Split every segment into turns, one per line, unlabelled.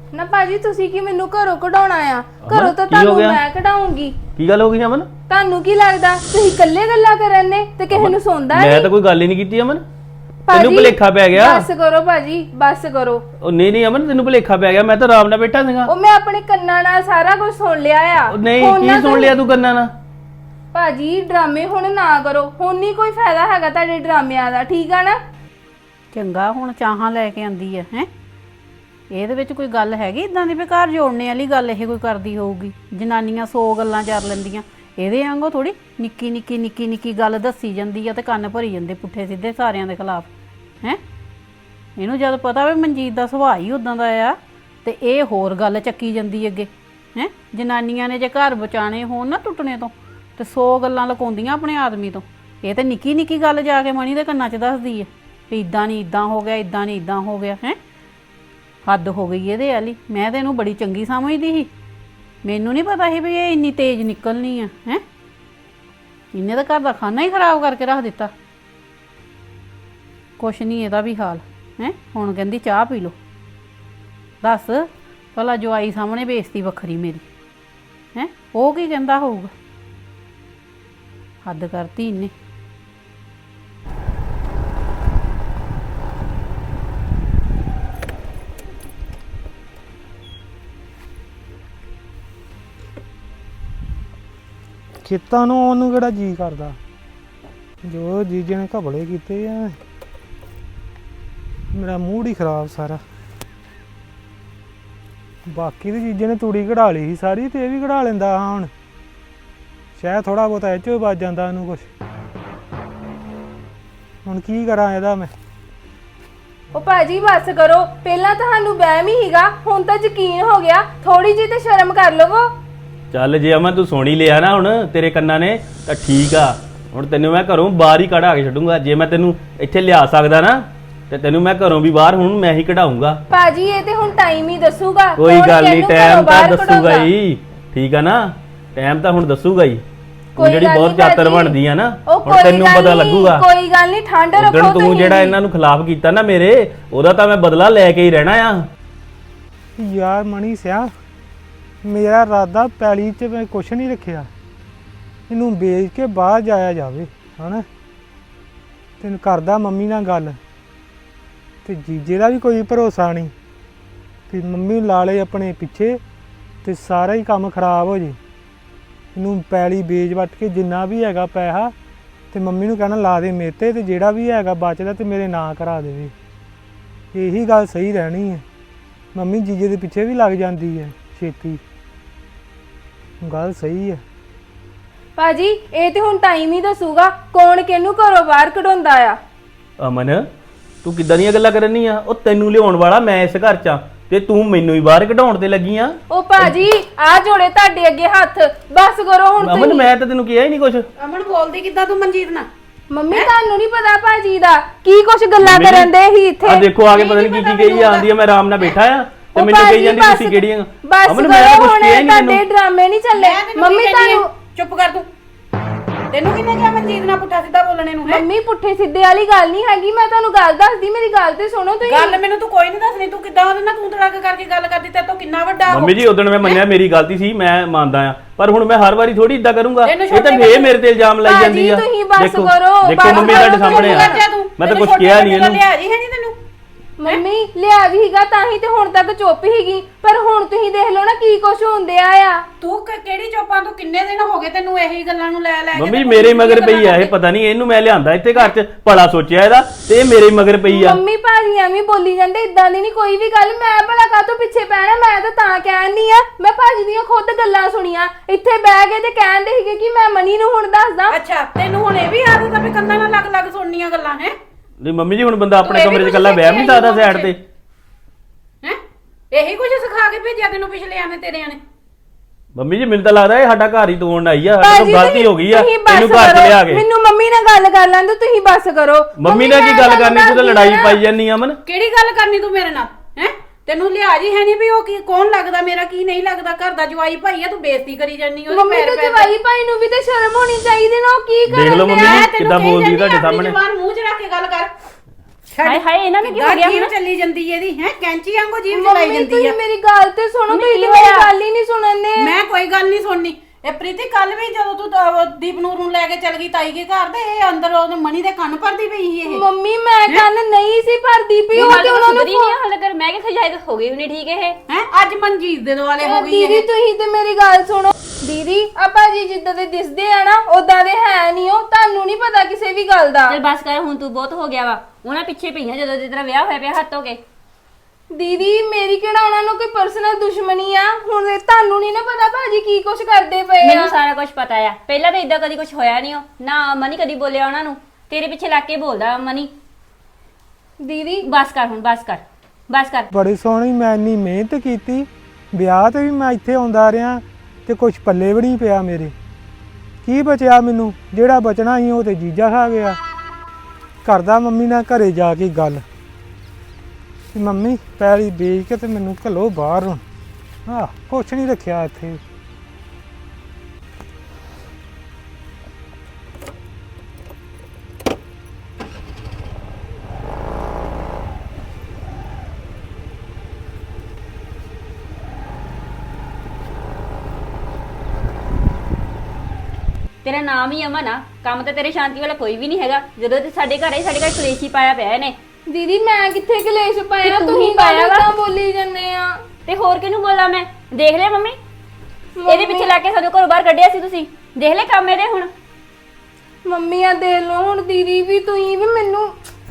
ਨਾ ਭਾਜੀ ਤੁਸੀਂ ਕੀ ਮੈਨੂੰ ਘਰੋਂ ਕਢਾਉਣਾ ਆ? ਘਰੋਂ ਤਾਂ ਤੁਹਾਨੂੰ ਮੈਂ ਕਢਾਉਂਗੀ।
ਕੀ ਗੱਲ ਹੋ ਗਈ ਅਮਨ?
ਤੁਹਾਨੂੰ ਕੀ ਲੱਗਦਾ ਤੁਸੀਂ ਇਕੱਲੇ ਗੱਲਾਂ ਕਰਨ ਨੇ ਤੇ ਕਿਸੇ ਨੂੰ ਸੁਣਦਾ ਨਹੀਂ?
ਮੈਂ ਤਾਂ ਕੋਈ ਗੱਲ ਹੀ ਨਹੀਂ ਕੀਤੀ ਅਮਨ। ਤੈਨੂੰ ਭੁਲੇਖਾ ਪੈ ਗਿਆ।
ਬਸ ਕਰੋ ਭਾਜੀ, ਬਸ ਕਰੋ।
ਉਹ ਨਹੀਂ ਅਮਨ, ਤੈਨੂੰ ਭੁਲੇਖਾ ਪੈ ਗਿਆ। ਮੈਂ ਤਾਂ ਆਰਾਮ ਨਾਲ ਬੈਠਾ ਸੀਗਾ।
ਉਹ ਮੈਂ ਆਪਣੇ ਕੰਨਾਂ ਨਾਲ ਸਾਰਾ ਕੁਝ ਸੁਣ ਲਿਆ ਆ।
ਨਹੀਂ, ਕੀ ਸੁਣ ਲਿਆ ਤੂੰ ਕੰਨਾਂ ਨਾਲ?
ਭਾਜੀ ਡਰਾਮੇ ਹੁਣ ਨਾ ਕਰੋ, ਹੁਣ ਨਹੀਂ ਕੋਈ ਫਾਇਦਾ ਹੈਗਾ ਤੁਹਾਡੇ ਡਰਾਮਿਆਂ ਦਾ, ਠੀਕ ਆ ਨਾ?
ਚੰਗਾ ਹੁਣ ਚਾਹਾਂ ਲੈ ਕੇ ਆਂਦੀ ਹੈ ਹੈ ਇਹਦੇ ਵਿੱਚ ਕੋਈ ਗੱਲ ਹੈਗੀ ਇਦਾਂ ਦੀ ਵੀ ਘਰ ਜੋੜਨੇ ਵਾਲੀ ਗੱਲ ਇਹ ਕੋਈ ਕਰਦੀ ਹੋਊਗੀ? ਜਨਾਨੀਆਂ 100 ਗੱਲਾਂ ਕਰ ਲੈਂਦੀਆਂ, ਇਹਦੇ ਵਾਂਗੂ ਥੋੜੀ ਨਿੱਕੀ ਗੱਲ ਦੱਸੀ ਜਾਂਦੀ ਆ ਤੇ ਕੰਨ ਭਰੀ ਜਾਂਦੇ ਪੁੱਠੇ ਸਿੱਧੇ ਸਾਰਿਆਂ ਦੇ ਖਿਲਾਫ ਹੈ। ਇਹਨੂੰ ਜਦ ਪਤਾ ਵੀ ਮਨਜੀਤ ਦਾ ਸੁਭਾਅ ਹੀ ਉਦਾਂ ਦਾ ਆ ਤੇ ਇਹ ਹੋਰ ਗੱਲ ਚੱਕੀ ਜਾਂਦੀ ਅੱਗੇ ਹੈ। ਜਨਾਨੀਆਂ ਨੇ ਜੇ ਘਰ ਬਚਾਣੇ ਹੋਣ ਨਾ ਟੁੱਟਣੇ ਤੋਂ ਤੇ 100 ਗੱਲਾਂ ਲੁਕਾਉਂਦੀਆਂ ਆਪਣੇ ਆਦਮੀ ਤੋਂ। ਇਹ ਤੇ ਨਿੱਕੀ ਗੱਲ ਜਾ ਕੇ ਮਣੀ ਦੇ ਕੰਨਾਂ 'ਚ ਦੱਸਦੀ ਹੈ ਵੀ ਇਦਾਂ ਨਹੀਂ ਇਦਾਂ ਹੋ ਗਿਆ, ਇਦਾਂ ਨਹੀਂ ਇਦਾਂ ਹੋ ਗਿਆ ਹੈ। ਹੱਦ ਹੋ ਗਈ ਇਹਦੇ ਵਾਲੀ। ਮੈਂ ਤੇ ਇਹਨੂੰ ਬੜੀ ਚੰਗੀ ਸਮਝਦੀ ਸੀ, ਮੈਨੂੰ ਨਹੀਂ ਪਤਾ ਸੀ ਵੀ ਇਹ ਇੰਨੀ ਤੇਜ਼ ਨਿਕਲਣੀ ਆ ਹੈ। ਇਹਨੇ ਤਾਂ ਘਰ ਦਾ ਖਾਣਾ ਹੀ ਖਰਾਬ ਕਰਕੇ ਰੱਖ ਦਿੱਤਾ। ਕੁਛ ਨਹੀਂ ਇਹਦਾ ਵੀ ਹਾਲ ਹੈ। ਹੁਣ ਕਹਿੰਦੀ ਚਾਹ ਪੀ ਲਓ। ਦੱਸ ਭਲਾ ਜਵਾਈ ਸਾਹਮਣੇ ਬੇਇੱਜ਼ਤੀ ਵੱਖਰੀ ਮੇਰੀ ਹੈ, ਉਹ ਕੀ ਕਹਿੰਦਾ ਹੋਊਗਾ? ਹੱਦ ਕਰਤੀ ਇਹਨੇ।
ਖੇਤਾਂ ਨੂੰ ਉਹਨੂੰ ਕਿਹੜਾ ਜੀ ਕਰਦਾ, ਜੋ ਜੀਜੇ ਨੇ ਘਬਲੇ ਕੀਤੇ ਆ। ਮੇਰਾ ਮੂਡ ਹੀ ਖਰਾਬ ਸਾਰਾ। ਬਾਕੀ ਦੇ ਜੀਜੇ ਨੇ ਤੂੜੀ ਕਢਾ ਲਈ ਸੀ ਸਾਰੀ, ਤੇ ਇਹ ਵੀ ਕਢਾ ਲੈਂਦਾ ਹਾਂ। ਹੁਣ ਸ਼ਾਇਦ ਥੋੜਾ ਬਹੁਤਾ ਇਹ 'ਚੋਂ ਬਚ ਜਾਂਦਾ ਉਹਨੂੰ ਕੁਛ। ਹੁਣ ਕੀ ਕਰਾਂ ਇਹਦਾ ਮੈਂ?
ਉਹ ਭਾਜੀ ਬਸ ਕਰੋ, ਪਹਿਲਾਂ ਤੁਹਾਨੂੰ ਵਹਿਮ ਹੀ ਹੀਗਾ, ਹੁਣ ਤਾਂ ਯਕੀਨ ਹੋ ਗਿਆ। ਥੋੜੀ ਜਿਹੀ ਤੇ ਸ਼ਰਮ ਕਰ ਲਵੋ।
ਚੱਲ ਜੇ ਅਮਨ ਤੂੰ ਸੁਣ ਹੀ ਲਿਆ ਨਾ ਹੁਣ ਤੇਰੇ ਕੰਨਾਂ ਨੇ ਤਾਂ ਠੀਕ ਆ। ਹੁਣ ਤੈਨੂੰ ਮੈਂ ਘਰੋਂ ਬਾਹਰ ਹੀ ਕਢਾ ਕੇ ਛੱਡੂੰਗਾ। ਜੇ ਮੈਂ ਤੈਨੂੰ ਇੱਥੇ ਲਿਆ ਸਕਦਾ ਨਾ ਤੇ ਤੈਨੂੰ ਮੈਂ ਘਰੋਂ ਵੀ ਬਾਹਰ ਹੁਣ ਮੈਂ ਹੀ ਕਢਾਊਂਗਾ।
ਭਾਜੀ ਇਹ ਤੇ ਹੁਣ ਟਾਈਮ ਹੀ ਦੱਸੂਗਾ।
ਕੋਈ ਗੱਲ ਨਹੀਂ, ਟਾਈਮ ਤਾਂ ਦੱਸੂਗਾ ਹੀ, ਠੀਕ ਆ ਨਾ? ਟਾਈਮ ਤਾਂ ਹੁਣ ਦੱਸੂਗਾ ਹੀ। ਤੂੰ ਜਿਹੜੀ ਬਹੁਤ ਚਾਤਰ ਬਣਦੀ ਆ ਨਾ, ਹੁਣ ਤੈਨੂੰ ਪਤਾ ਲੱਗੂਗਾ।
ਕੋਈ ਗੱਲ ਨਹੀਂ, ਠੰਡ ਰੱਖੋ।
ਤੂੰ ਜਿਹੜਾ ਇਹਨਾਂ ਨੂੰ ਖਿਲਾਫ ਕੀਤਾ ਨਾ ਮੇਰੇ, ਉਹਦਾ ਤਾਂ ਮੈਂ ਬਦਲਾ ਲੈ ਕੇ ਹੀ ਰਹਿਣਾ ਆ।
ਯਾਰ ਮਣੀ ਸਿਆ, ਮੇਰਾ ਇਰਾਦਾ ਪੈਲੀ 'ਚ ਮੈਂ ਕੁਛ ਨਹੀਂ ਰੱਖਿਆ, ਇਹਨੂੰ ਵੇਚ ਕੇ ਬਾਹਰ ਜਾਇਆ ਜਾਵੇ ਹਨਾ। ਤੈਨੂੰ ਕਰਦਾ ਮੰਮੀ ਨਾਲ ਗੱਲ, ਤੇ ਜੀਜੇ ਦਾ ਵੀ ਕੋਈ ਭਰੋਸਾ ਨਹੀਂ ਕਿ ਮੰਮੀ ਲਾ ਲਏ ਆਪਣੇ ਪਿੱਛੇ ਤੇ ਸਾਰਾ ਹੀ ਕੰਮ ਖਰਾਬ ਹੋ ਜੇ। ਇਹਨੂੰ ਪੈਲੀ ਵੇਚ ਵੱਟ ਕੇ ਜਿੰਨਾ ਵੀ ਹੈਗਾ ਪੈਸਾ ਤੇ ਮੰਮੀ ਨੂੰ ਕਹਿਣਾ ਲਾ ਦੇ ਮੇਰੇ 'ਤੇ, ਤੇ ਜਿਹੜਾ ਵੀ ਹੈਗਾ ਬਚਦਾ ਤੇ ਮੇਰੇ ਨਾਂ ਕਰਾ ਦੇਵੇ। ਇਹੀ ਗੱਲ ਸਹੀ ਰਹਿਣੀ ਹੈ। ਮੰਮੀ ਜੀਜੇ ਦੇ ਪਿੱਛੇ ਵੀ ਲੱਗ ਜਾਂਦੀ ਹੈ ਛੇਤੀ, ਗੱਲ ਸਹੀ ਹੈ।
ਭਾਜੀ ਇਹ ਤੇ ਹੁਣ ਟਾਈਮ ਹੀ ਦੱਸੂਗਾ ਕੌਣ ਕਿਹਨੂੰ ਘਰੋਂ ਬਾਹਰ ਕਢਾਉਂਦਾ ਆ।
ਅਮਨ ਤੂੰ ਕਿੱਦਾਂ ਦੀਆਂ ਗੱਲਾਂ ਕਰਨੀ ਆ? ਉਹ ਤੈਨੂੰ ਲਿਆਉਣ ਵਾਲਾ ਮੈਂ ਇਸ ਘਰ 'ਚ ਆ ਤੇ ਤੂੰ ਮੈਨੂੰ ਹੀ ਬਾਹਰ ਕਢਾਉਣ ਤੇ ਲੱਗੀ ਆ।
ਉਹ ਭਾਜੀ ਆ ਜੋੜੇ ਤੁਹਾਡੇ ਅੱਗੇ ਹੱਥ, ਬਸ ਕਰੋ ਹੁਣ।
ਅਮਨ ਮੈਂ ਤਾਂ ਤੈਨੂੰ ਕਿਹਾ ਹੀ ਨਹੀਂ ਕੁਛ।
ਅਮਨ ਬੋਲਦੀ ਕਿੱਦਾਂ ਤੂੰ ਮਨਜੀਤ ਨਾਲ?
ਮੰਮੀ ਤੁਹਾਨੂੰ ਨਹੀਂ ਪਤਾ ਭਾਜੀ ਦਾ ਕੀ ਕੁਛ ਗੱਲਾਂ ਕਰਨ ਦੇ ਹੀ ਇੱਥੇ।
ਆ ਦੇਖੋ ਆ ਕੇ ਪਤਾ ਨਹੀਂ ਕੀ ਕਹੀ ਆਂਦੀ ਆ। ਮੈਂ ਆਰਾਮ ਨਾਲ ਬੈਠਾ ਆ ਤੇ ਮੈਨੂੰ ਕਹੀ ਜਾਂਦੀ ਤੁਸੀਂ ਕਿਹੜੀਆਂ।
ਬਸ
ਅਮਨ ਮੈਂ ਤਾਂ ਕੁਛ ਕਿਹਾ ਹੀ ਨਹੀਂ।
ਤੁਹਾਡੇ ਡਰਾਮੇ ਨਹੀਂ ਚੱਲੇ। ਮੰਮੀ ਤੁਹਾਨੂੰ
ਚੁੱਪ ਕਰ ਤੂੰ। ਤੈਨੂੰ ਕਿਹਨੇ ਕਿਹਾ ਮਨਜੀਤ ਨਾਲ ਪੁੱਠਾ ਸਿੱਧਾ ਬੋਲਣੇ ਨੂੰ?
ਮੰਮੀ ਪੁੱਠੇ ਸਿੱਧੇ ਵਾਲੀ ਗੱਲ ਨਹੀਂ ਹੈਗੀ, ਮੈਂ ਤੁਹਾਨੂੰ ਗੱਲ ਦੱਸਦੀ, ਮੇਰੀ ਗੱਲ ਤੇ ਸੁਣੋ ਤੁਸੀਂ।
ਗੱਲ ਮੈਨੂੰ ਤੂੰ ਕੋਈ ਨਹੀਂ ਦੱਸਣੀ। ਤੂੰ ਕਿੱਦਾਂ ਉਹਦੇ ਨਾਲ ਤੂੰ ਤੜਾਕ ਕਰਕੇ ਗੱਲ ਕਰਦੀ? ਤੇ ਤੂੰ ਕਿੰਨਾ ਵੱਡਾ
ਮੰਮੀ ਜੀ ਉਦੋਂ ਮੈਂ ਮੰਨਿਆ ਮੇਰੀ ਗਲਤੀ ਸੀ, ਮੈਂ ਮੰਨਦਾ ਆ, ਪਰ ਹੁਣ ਮੈਂ ਹਰ ਵਾਰੀ ਥੋੜੀ ਇਦਾਂ ਕਰੂੰਗਾ। ਇਹ ਤਾਂ ਫੇਰ ਮੇਰੇ ਤੇ ਇਲਜ਼ਾਮ ਲਾਈ ਜਾਂਦੀ ਆ।
ਤੁਸੀਂ ਬਸ
ਦੇਖੋ
ਕਰੋ,
ਦੇਖੋ ਮੰਮੀ ਤੁਹਾਡੇ ਸਾਹਮਣੇ ਆ, ਮੈਂ ਤਾਂ ਕੁਝ ਕਿਹਾ ਨਹੀਂ ਇਹਨੂੰ।
ਲਿਆ ਜੀ ਹੈ ਨਹੀਂ ਤੈਨੂੰ?
ਮੰਮੀ ਲਿਆ ਵੀ ਹੀਗਾ ਤਾਂ ਹੀ ਤੇ ਹੁਣ ਤੱਕ ਚੁੱਪ ਹੀਗੀ, ਪਰ ਹੁਣ ਤੁਸੀਂ ਦੇਖ ਲਓ ਨਾ ਕੀ ਕੁਛ ਹੁੰਦਿਆ ਆ।
ਤੂੰ ਕਿਹੜੀ ਚੁੱਪਾਂ? ਤੂੰ ਕਿੰਨੇ ਦਿਨ ਹੋ ਗਏ ਤੈਨੂੰ ਇਹੀ ਗੱਲਾਂ ਨੂੰ ਲੈ ਕੇ?
ਮੰਮੀ ਮੇਰੇ ਮਗਰ ਪਈ ਆ ਇਹ, ਪਤਾ ਨਹੀਂ ਇਹਨੂੰ ਮੈਂ ਲਿਆਂਦਾ ਇੱਥੇ ਘਰ 'ਚ ਭਲਾ ਸੋਚਿਆ ਇਹਦਾ, ਤੇ ਇਹ ਮੇਰੇ ਮਗਰ ਪਈ ਆ।
ਮੰਮੀ ਭਾਜੀ ਐਵੇਂ ਬੋਲੀ ਜਾਂਦੇ, ਇਦਾਂ ਦੀ ਨਹੀਂ ਕੋਈ ਵੀ ਗੱਲ। ਮੈਂ ਭਲਾ ਕਾਹਤੋਂ ਪਿੱਛੇ ਪੈਣਾ? ਮੈਂ ਤਾਂ ਕਹਿਣੀ ਆ, ਮੈਂ ਭਾਜੀ ਦੀਆਂ ਖੁਦ ਗੱਲਾਂ ਸੁਣੀਆਂ ਇੱਥੇ ਬਹਿ ਕੇ ਤੇ ਕਹਿੰਦੇ ਸੀਗੇ ਕਿ ਮੈਂ ਮਨੀ ਨੂੰ ਹੁਣ ਦੱਸਦਾ।
ਅੱਛਾ ਤੈਨੂੰ ਹੁਣ ਇਹ ਵੀ ਆਦਤ ਆ ਵੀ ਕੰਨਾਂ ਨਾਲ ਲੱਗ ਸੁਣਨੀਆਂ ਗੱਲਾਂ ਹੈ?
ਨਹੀਂ ਮੰਮੀ ਜੀ ਹੁਣ ਬੰਦਾ ਆਪਣੇ ਕਮਰੇ 'ਚ ਇਕੱਲਾ ਬਹਿ ਨਹੀਂ ਸਕਦਾ ਸਾਈਡ ਤੇ
ਹੈ? ਇਹੀ ਕੁਝ ਸਿਖਾ ਕੇ ਭੇਜਿਆ ਤੈਨੂੰ ਪਿਛਲੇ ਆਨੇ ਤੇਰਿਆਂ ਨੇ?
ਮੰਮੀ ਜੀ ਮੈਨੂੰ ਤਾਂ ਲੱਗਦਾ ਇਹ ਸਾਡਾ ਘਰ ਹੀ ਤੋੜਨ ਆਈ ਆ। ਸਾਡੇ ਤੋਂ ਗਲਤੀ ਹੋ ਗਈ ਆ ਇਹਨੂੰ ਘਰ 'ਚ ਲਿਆ ਕੇ।
ਮੈਨੂੰ ਮੰਮੀ ਨਾਲ ਗੱਲ ਕਰ ਲੈਂਦੇ, ਤੁਸੀਂ ਬਸ ਕਰੋ।
ਮੰਮੀ ਨਾਲ ਕੀ ਗੱਲ ਕਰਨੀ? ਤੂੰ ਤਾਂ ਲੜਾਈ ਪਾਈ ਜਾਂਦੀ ਆ ਅਮਨ।
ਕਿਹੜੀ ਗੱਲ ਕਰਨੀ ਤੂੰ ਮੇਰੇ ਨਾਲ ਹੈ? ਤੈਨੂੰ ਲਿਹਾਜ਼ ਹੀ ਹੈ ਨਹੀਂ ਵੀ ਉਹ ਕੀ ਕੌਣ ਲੱਗਦਾ ਮੇਰਾ ਕੀ ਨਹੀਂ ਲੱਗਦਾ? ਘਰ ਦਾ ਜਵਾਈ ਭਾਈ ਆ, ਤੂੰ ਬੇਇੱਜ਼ਤੀ ਕਰੀ ਜਾਂਦੀ ਉਹਦੀ।
ਮੰਮੀ ਤੇ ਜਵਾਈ ਭਾਈ ਨੂੰ ਵੀ ਤੇ ਸ਼ਰਮ ਹੋਣੀ ਚਾਹੀਦੀ ਨਾ, ਉਹ ਕੀ ਕਰਨ
ਦੇਖ ਲਓ ਮੰਮੀ
ਮੈਂ
ਕਿੱਦਾਂ ਬੋਲਦੀ ਤੁਹਾਡੇ ਸਾਹਮਣੇ।
ਜ਼ੁਬਾਨ ਮੂੰਹ 'ਚ ਰੱਖ ਕੇ ਗੱਲ ਕਰ। ਹਾਏ ਹਾਏ ਇਹਨਾਂ ਨੂੰ ਕੀ ਹੋ ਗਿਆ? ਜੀਭ ਚੱਲੀ ਜਾਂਦੀ ਇਹਦੀ ਹੈ, ਕੈਂਚੀ ਵਾਂਗੂ ਜੀਭ ਚਲਾਈ
ਮੰਮੀ
ਜਾਂਦੀ
ਤੁਸੀਂ
ਆ।
ਮੇਰੀ ਗੱਲ ਤੇ ਸੁਣੋ,
ਮੰਮੀ,
ਤੁਸੀਂ
ਕੀ
ਤੇ ਮੇਰੀ
ਹੋਇਆ?
ਗੱਲ ਹੀ ਨਹੀਂ ਸੁਣਨਦੇ।
ਮੈਂ ਕੋਈ ਗੱਲ ਨਹੀਂ ਸੁਣਨੀ। ਇਹ ਪ੍ਰੀਤੀ ਕੱਲ ਵੀ ਜਦੋਂ ਤੂੰ ਦੀਪਨੂਰ ਨੂੰ ਲੈ ਕੇ ਚਲ ਗਈ ਤਾਈ ਦੇ ਘਰ ਤੇ ਇਹ ਅੰਦਰ ਉਹਦੇ ਮਣੀ ਦੇ ਕੰਨ ਭਰਦੀ ਪਈ ਸੀ ਇਹ।
ਮੰਮੀ ਮੈਂ ਕੰਨ ਨਹੀਂ ਸੀ ਭਰਦੀ ਪਈ, ਉਹ ਤੇ ਉਹਨਾਂ ਨੂੰ
ਹਾਲੇ ਕਰ ਮੈਂ ਕਿ ਖਜਾਇਦ ਹੋ ਗਈ ਹੁਣੀ ਠੀਕ ਹੈ
ਹੈ ਅੱਜ ਮਨਜੀਤ ਦੇ ਦੁਆਲੇ ਹੋ ਗਈ
ਦੀਦੀ
ਇਹ।
ਤੁਸੀਂ ਤੇ ਮੇਰੀ ਗੱਲ ਸੁਣੋ। ਦੀਦੀ ਆ ਭਾਜੀ ਜਿੱਦਾਂ ਦੇ ਦਿਸਦੇ ਆ ਨਾ ਉਦਾਂ ਦੇ ਹੈ ਨਹੀਂ, ਉਹ ਤੁਹਾਨੂੰ ਨਹੀਂ ਪਤਾ ਕਿਸੇ ਵੀ ਗੱਲ ਦਾ।
ਚਲ ਬਸ ਕਰ ਹੁਣ ਤੂੰ ਬਹੁਤ ਹੋ ਗਿਆ ਵਾ। ਉਹਨਾਂ ਪਿੱਛੇ ਪਈਆਂ ਜਦੋਂ ਦੀ ਤੇਰਾ ਵਿਆਹ ਹੋਇਆ ਪਿਆ ਹੱਥ ਹੋ ਕੇ।
ਦੀਦੀ ਮੇਰੀ ਕਿਹੜਾ ਉਹਨਾਂ ਨੂੰ ਕੋਈ ਪਰਸਨਲ ਦੁਸ਼ਮਣੀ ਆ, ਹੁਣ ਇਹ ਤੁਹਾਨੂੰ ਨਹੀਂ ਨਾ ਪਤਾ ਭਾਜੀ ਕੀ ਕੁਛ ਕਰਦੇ ਪਏ ਆ।
ਮੈਨੂੰ ਸਾਰਾ ਕੁਝ ਪਤਾ ਆ। ਪਹਿਲਾਂ ਤਾਂ ਇਦਾਂ ਕਦੀ ਕੁਝ ਹੋਇਆ ਨਹੀਂ ਨਾ ਮਨੀ ਕਦੀ ਬੋਲਿਆ ਉਹਨਾਂ ਨੂੰ। ਤੇਰੇ ਪਿੱਛੇ ਲੱਗ ਕੇ ਬੋਲਦਾ ਮਨੀ।
ਦੀਦੀ
ਬਸ ਕਰ ਹੁਣ ਬਸ ਕਰ ਬਸ ਕਰ।
ਬੜੀ ਸੋਹਣੀ ਮੈਂ ਇੰਨੀ ਮਿਹਨਤ ਕੀਤੀ, ਵਿਆਹ ਤੇ ਵੀ ਮੈਂ ਇੱਥੇ ਆਉਂਦਾ ਰਿਹਾ ਤੇ ਕੁਝ ਪੱਲੇ ਵੀ ਨਹੀਂ ਪਿਆ ਮੇਰੇ। ਕੀ ਬਚਿਆ ਮੈਨੂੰ? ਜਿਹੜਾ ਬਚਣਾ ਸੀ ਉਹ ਤੇ ਜੀਜਾ ਖਾ ਗਿਆ। ਕਰਦਾ ਮੰਮੀ ਨਾਲ ਘਰੇ ਜਾ ਕੇ ਗੱਲ ਕਿ ਮੰਮੀ ਪੈਲੀ ਵੇਚ ਕੇ ਤੇ ਮੈਨੂੰ ਘੱਲੋ ਬਾਹਰ ਹੁਣ। ਕੁਛ ਨਹੀਂ ਰੱਖਿਆ ਇੱਥੇ।
ਤੇਰਾ ਨਾਮ ਹੀ ਅਮਨ ਆ। ਕੰਮ ਤਾਂ ਤੇਰੇ ਸ਼ਾਂਤੀ ਵਾਲਾ ਕੋਈ ਵੀ ਨਹੀਂ ਹੈਗਾ। ਜਦੋਂ ਤੇ ਸਾਡੇ ਘਰ ਆਈ ਸਾਡੇ ਘਰ ਕਲੇਸ਼ ਹੀ ਪਾਇਆ ਪਿਆ ਇਹਨੇ।
ਦੀਦੀ ਮੈਂ ਕਿੱਥੇ ਕਲੇਸ਼ ਪਾਇਆ?
ਤੇ ਤੂੰ
ਤੁਸੀਂ
ਹੀ ਪਾਇਆ ਵਾ।
ਤਾਂ ਬੋਲੀ ਜੰਨੇ ਆ।
ਤੇ ਹੋਰ ਕਿਹਨੂੰ ਬੋਲਾਂ ਮੈਂ? ਦੇਖ ਲਿਆ ਮੰਮੀ ਇਹਦੇ ਪਿੱਛੇ ਲੱਗ ਕੇ ਸਾਨੂੰ ਘਰੋਂ ਬਾਹਰ ਕੱਢਿਆ ਸੀ ਤੁਸੀਂ। ਦੇਖ ਲੈ ਕੰਮ ਇਹਦੇ ਹੁਣ।
ਮੰਮੀ ਆ ਦੇਖ ਲਓ ਹੁਣ। ਦੀਦੀ ਵੀ ਤੁਸੀਂ ਵੀ ਮੈਨੂੰ,